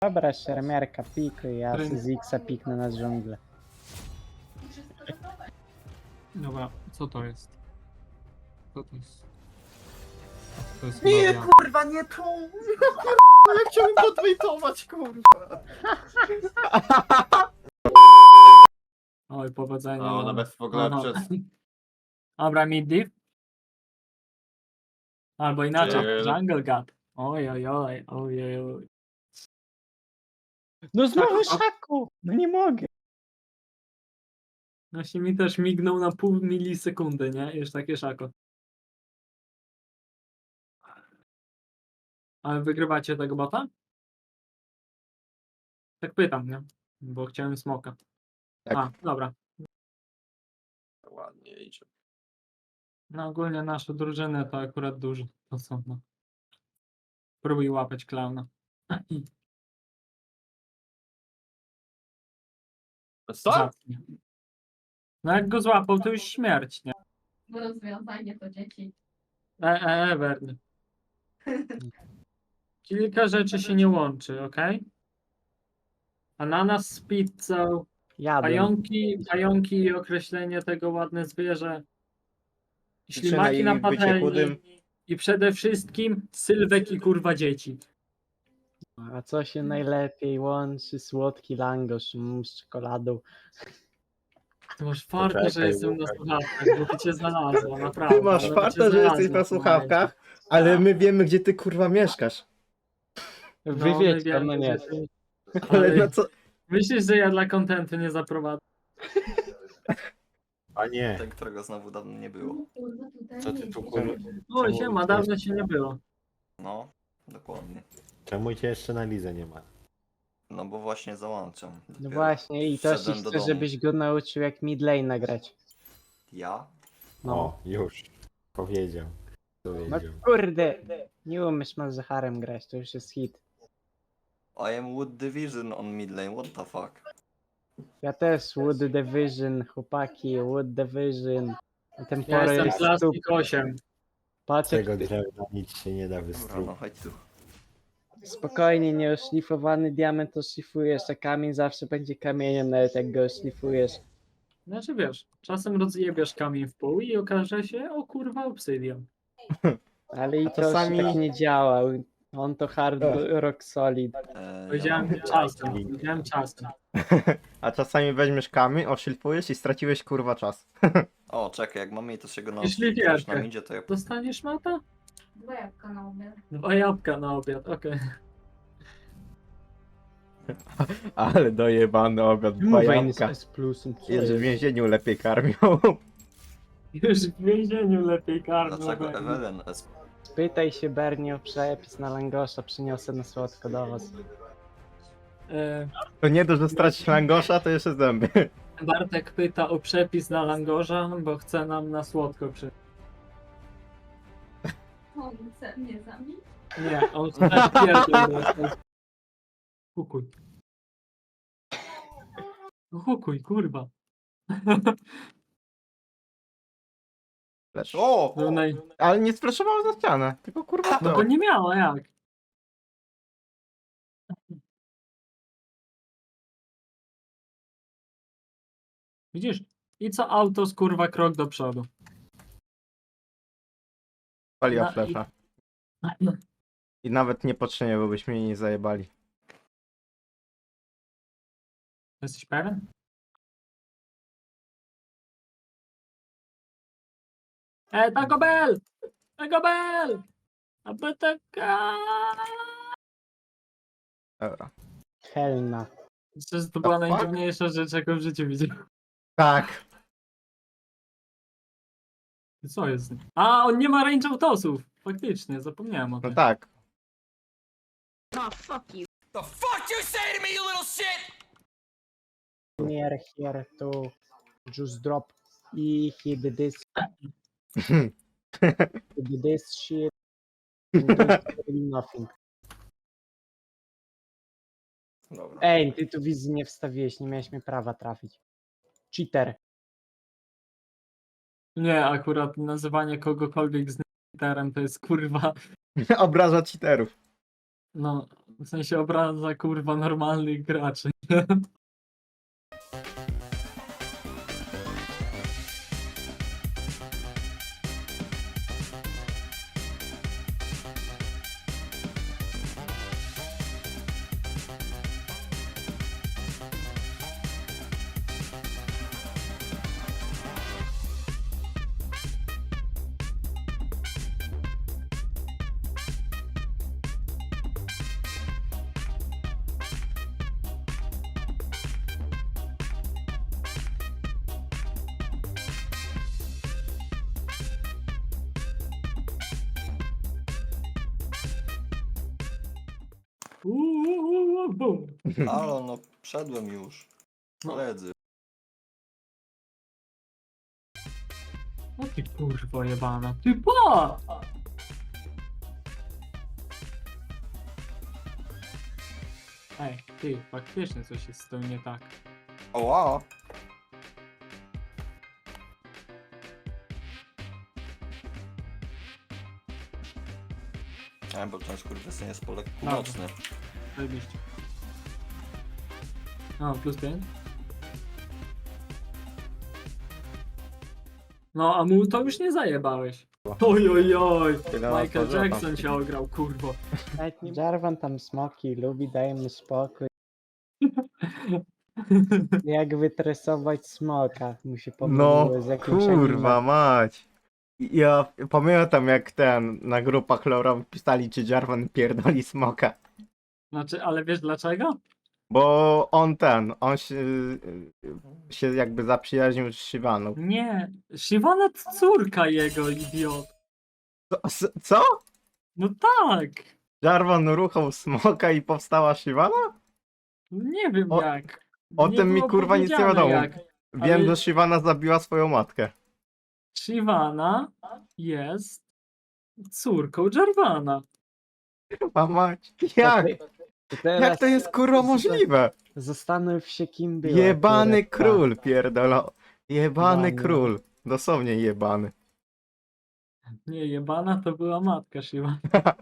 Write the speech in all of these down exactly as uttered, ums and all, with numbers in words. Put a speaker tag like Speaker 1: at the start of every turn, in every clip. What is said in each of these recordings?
Speaker 1: Dobra, szermierka, pikuj, ja
Speaker 2: Ryn-
Speaker 1: z X-a piknę na dżunglę.
Speaker 2: Dobra, co to jest? Co to jest? To jest
Speaker 3: Nie,
Speaker 2: Maria.
Speaker 3: kurwa, nie tu! Ja chciałem podwejtować, kurwa.
Speaker 2: Oj, powodzenia.
Speaker 3: No,
Speaker 2: mam.
Speaker 3: nawet w ogóle
Speaker 2: Aha.
Speaker 3: przez...
Speaker 2: Dobra, mid div? Albo inaczej,
Speaker 3: Chill.
Speaker 2: jungle gap. Oj, oj, oj, oj, oj, oj.
Speaker 1: No znowu
Speaker 2: Szaku,
Speaker 1: szaku! No nie mogę.
Speaker 2: Właśnie mi też mignął na pół milisekundy, nie? Już takie szako. Ale wygrywacie tego bota? Tak pytam, nie? Bo chciałem smoka.
Speaker 3: Tak.
Speaker 2: A, dobra.
Speaker 3: Ładnie idzie.
Speaker 2: No ogólnie nasze drużyny to akurat duże. To są, no. Próbuj łapać klauna.
Speaker 3: Co?
Speaker 2: Zacnie. No jak go złapał, to już śmierć, nie?
Speaker 4: Bo rozwiązanie to dzieci.
Speaker 2: E, e, Ewerny. Kilka rzeczy się nie łączy, ok? Ananas z pizzą,
Speaker 1: Jadłem.
Speaker 2: pająki, pająki i określenie tego ładne zwierzę,
Speaker 3: Przyczyna
Speaker 2: ślimaki na
Speaker 3: jej bycie
Speaker 2: patelni
Speaker 3: chudym.
Speaker 2: i przede wszystkim sylwek i kurwa dzieci.
Speaker 1: A co się najlepiej łączy? Słodki langosz mm, z czekoladą.
Speaker 2: Ty masz farta, że
Speaker 5: Poczekaj,
Speaker 2: jestem na
Speaker 5: Łukasz.
Speaker 2: słuchawkach, bo by cię znalazło, naprawdę.
Speaker 3: Ty masz
Speaker 2: bo by
Speaker 3: farta,
Speaker 2: cię
Speaker 3: że jesteś
Speaker 2: znalazło
Speaker 3: na
Speaker 2: w tym
Speaker 3: słuchawkach,
Speaker 2: momencie.
Speaker 3: ale
Speaker 2: Tak.
Speaker 3: my wiemy, gdzie ty kurwa mieszkasz.
Speaker 1: Wy
Speaker 2: No, my
Speaker 1: wiecie,
Speaker 2: wiemy,
Speaker 1: no nie.
Speaker 2: że ty-
Speaker 3: Ale
Speaker 2: Ale
Speaker 3: na co...
Speaker 2: myślisz, że ja dla kontentu nie zaprowadzę?
Speaker 5: A nie,
Speaker 3: Ten, którego znowu dawno nie było.
Speaker 4: Kurwa, tutaj
Speaker 5: co ty
Speaker 4: nie
Speaker 5: tu
Speaker 4: jest.
Speaker 5: kurwa?
Speaker 2: O,
Speaker 5: Czemu
Speaker 2: siema,
Speaker 5: cię
Speaker 2: dawno
Speaker 5: jeszcze-
Speaker 2: się nie było.
Speaker 3: No, dokładnie.
Speaker 5: Czemu cię jeszcze na lidze nie ma?
Speaker 3: No bo właśnie załączam.
Speaker 1: No
Speaker 3: Dopiero
Speaker 1: właśnie, i to się
Speaker 3: wszedłem do
Speaker 1: chce,
Speaker 3: domu.
Speaker 1: żebyś go nauczył jak mid lane nagrać.
Speaker 3: Ja?
Speaker 1: No.
Speaker 5: O, już. Powiedział.
Speaker 1: No
Speaker 5: Powiedział.
Speaker 1: kurde, nie umiesz Malzacharem grać, to już jest hit.
Speaker 3: I am Wood Division on mid lane, what the fuck?
Speaker 1: Ja też Wood Division, chłopaki, Wood Division.
Speaker 2: Ja
Speaker 1: Tempora
Speaker 2: jestem
Speaker 1: jest
Speaker 2: plastik
Speaker 1: super.
Speaker 2: osiem.
Speaker 1: Patrz, jak
Speaker 5: Tego drewna nic się nie da
Speaker 3: Dobra, no
Speaker 5: wystruć.
Speaker 3: chodź tu.
Speaker 1: spokojnie, nieoszlifowany diament to szlifujesz, a kamień zawsze będzie kamieniem, nawet jak go oszlifujesz.
Speaker 2: Znaczy wiesz, czasem rozjebiesz kamień w pół i okaże się, o kurwa, obsydian.
Speaker 1: Ale i
Speaker 3: A
Speaker 1: to
Speaker 3: czasami-
Speaker 1: się tak nie działa. On to hard rock solid.
Speaker 3: E,
Speaker 2: Powiedziałem
Speaker 3: ja mam-
Speaker 2: czasem, powiedziałem czasem.
Speaker 6: A czasami weźmiesz kamień, oszlifujesz i straciłeś kurwa czas.
Speaker 3: O, czekaj, jak mamy to się go
Speaker 2: Jeśli
Speaker 3: nauczyć, jak już
Speaker 2: wierkę.
Speaker 3: nam idzie, to ja...
Speaker 2: Dostaniesz mata?
Speaker 4: Dwa jabłka na obiad.
Speaker 2: Dwa jabłka na obiad, okej.
Speaker 6: Ale dojebany obiad, dwa
Speaker 1: Mówię,
Speaker 6: jabłka.
Speaker 1: z plusem. co
Speaker 6: Jest w
Speaker 1: jest?
Speaker 6: więzieniu lepiej karmią.
Speaker 2: Już w więzieniu lepiej karmią.
Speaker 3: Dlaczego
Speaker 2: tak.
Speaker 3: Ewelen S...
Speaker 1: Spytaj się Bernie o przepis na langosza, przyniosę na słodko do was.
Speaker 2: E,
Speaker 6: To nie dość, że stracić langosza, to jeszcze zęby.
Speaker 2: Bartek pyta o przepis na langorza, bo chce nam na słodko przy...
Speaker 4: On chce mnie zabić.
Speaker 2: Nie, on chce pierdol dostać. Hukuj. Hukuj, kurwa.
Speaker 6: Lecz.
Speaker 3: O!
Speaker 2: No, naj...
Speaker 6: Ale nie spraszowało za ścianę, tylko kurwa
Speaker 2: no
Speaker 6: to.
Speaker 2: bo nie miała jak. Widzisz? I co auto z kurwa krok do przodu.
Speaker 6: Paliła
Speaker 2: Na-
Speaker 6: flesza. I nawet niepotrzebnie, bo byśmy jej nie zajebali.
Speaker 2: Jesteś pewien? E, Taco Bell! Taco Bell! A B T K!
Speaker 6: Dobra.
Speaker 1: Helna.
Speaker 2: Myślę, że to była
Speaker 6: fuck?
Speaker 2: najdziwniejsza rzecz, jaką w życiu widziałem.
Speaker 6: Tak.
Speaker 2: Co jest? A, on nie ma range autosów! Faktycznie, zapomniałem o
Speaker 6: No
Speaker 2: tym.
Speaker 6: tak.
Speaker 1: Near here to just drop e hit this hit this shit and don't do nothing.
Speaker 3: Dobra.
Speaker 1: Ej, ty tu wizji nie wstawiłeś, nie miałeś mnie prawa trafić. Cheater.
Speaker 2: Nie, akurat nazywanie kogokolwiek z Niterem to jest kurwa.
Speaker 6: Obraża cheaterów.
Speaker 2: No, w sensie obraza kurwa normalnych graczy. Uuu, bum.
Speaker 7: Halo, no wszedłem już.
Speaker 2: No.
Speaker 7: Koledzy.
Speaker 2: O ty kurwa jebana. Ty pa! Ej, ty, faktycznie coś jest z tym nie tak.
Speaker 7: Oła! A, bo ten skurwysyn jest polek północny.
Speaker 2: Zajebiście. O, plus pięć. No, a mu to już nie zajebałeś. Oj, oj, oj.
Speaker 6: Tyle
Speaker 2: Michael
Speaker 6: otworzyła tam.
Speaker 2: Jackson się ograł, kurwo.
Speaker 1: Nawet nie... Jarvan tam smoki lubi, daj mu spokój. Jak wytresować smoka, mu się
Speaker 6: No,
Speaker 1: pomyliło z jakimś
Speaker 6: kurwa
Speaker 1: anime.
Speaker 6: mać. Ja pamiętam jak ten, na grupach lorowych pisali, czy Jarvan pierdoli smoka.
Speaker 2: Znaczy, ale wiesz dlaczego?
Speaker 6: Bo on ten, on się, się jakby zaprzyjaźnił z Shivaną.
Speaker 2: Nie, Shyvana to córka jego, idiot.
Speaker 6: Co? s- Co?
Speaker 2: No tak.
Speaker 6: Jarvan ruchał smoka i powstała Shivana?
Speaker 2: Nie wiem
Speaker 6: O-
Speaker 2: jak.
Speaker 6: O
Speaker 2: Nie
Speaker 6: tym mi
Speaker 2: było
Speaker 6: kurwa nic nie
Speaker 2: powiedziane
Speaker 6: wiadomo.
Speaker 2: jak.
Speaker 6: Wiem,
Speaker 2: ale-
Speaker 6: że Shivana zabiła swoją matkę.
Speaker 2: Shyvana jest córką Jarvana.
Speaker 6: Kurwa mać.
Speaker 1: To
Speaker 6: Jak?
Speaker 1: ty- to teraz
Speaker 6: Jak to jest kurwa możliwe?
Speaker 1: Zastanów się kim był.
Speaker 6: Jebany
Speaker 1: akurat ta-
Speaker 6: król, pierdolo. Jebany
Speaker 1: Jebany.
Speaker 6: król. Dosłownie jebany.
Speaker 2: Nie, jebana to była matka Shyvana.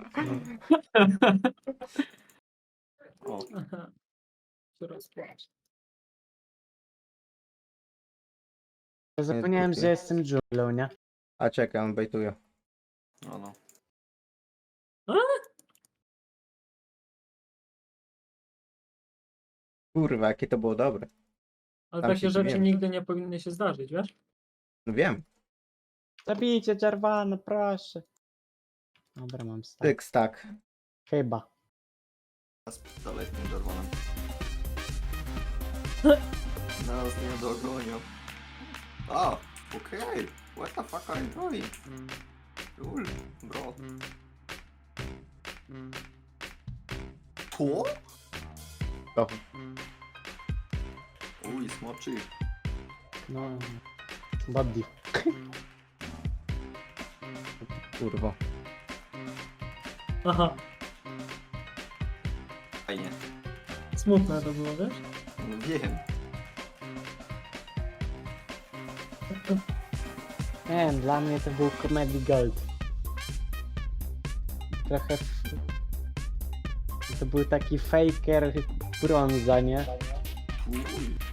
Speaker 7: O,
Speaker 2: Coraz płaczę.
Speaker 1: Ja zapomniałem, że jestem dżunglą, nie?
Speaker 6: A czekaj, on bejtuje.
Speaker 7: no no.
Speaker 6: Kurwa, jakie to było dobre.
Speaker 2: Ale
Speaker 6: Tam się
Speaker 2: takie rzeczy
Speaker 6: dziwiłem.
Speaker 2: nigdy nie powinny się zdarzyć, wiesz?
Speaker 6: No wiem.
Speaker 1: Zabijcie Jarvana, proszę. Dobra, mam stak.
Speaker 6: Tyk, tak.
Speaker 1: Chyba.
Speaker 7: Dalej z tym czerwonym. Nas nie dogonią. A, okej. What the fuck are you doing? Cool, bro. To?
Speaker 6: To.
Speaker 7: Uj, smoczy.
Speaker 1: No. Body.
Speaker 6: Kurwa.
Speaker 2: Aha,
Speaker 7: Fajnie.
Speaker 2: smutne to było, wiesz?
Speaker 7: No wiem.
Speaker 1: Nie wiem, dla mnie to był Comedy Gold. Trochę... f- To był taki faker brąza, nie?
Speaker 7: Uj.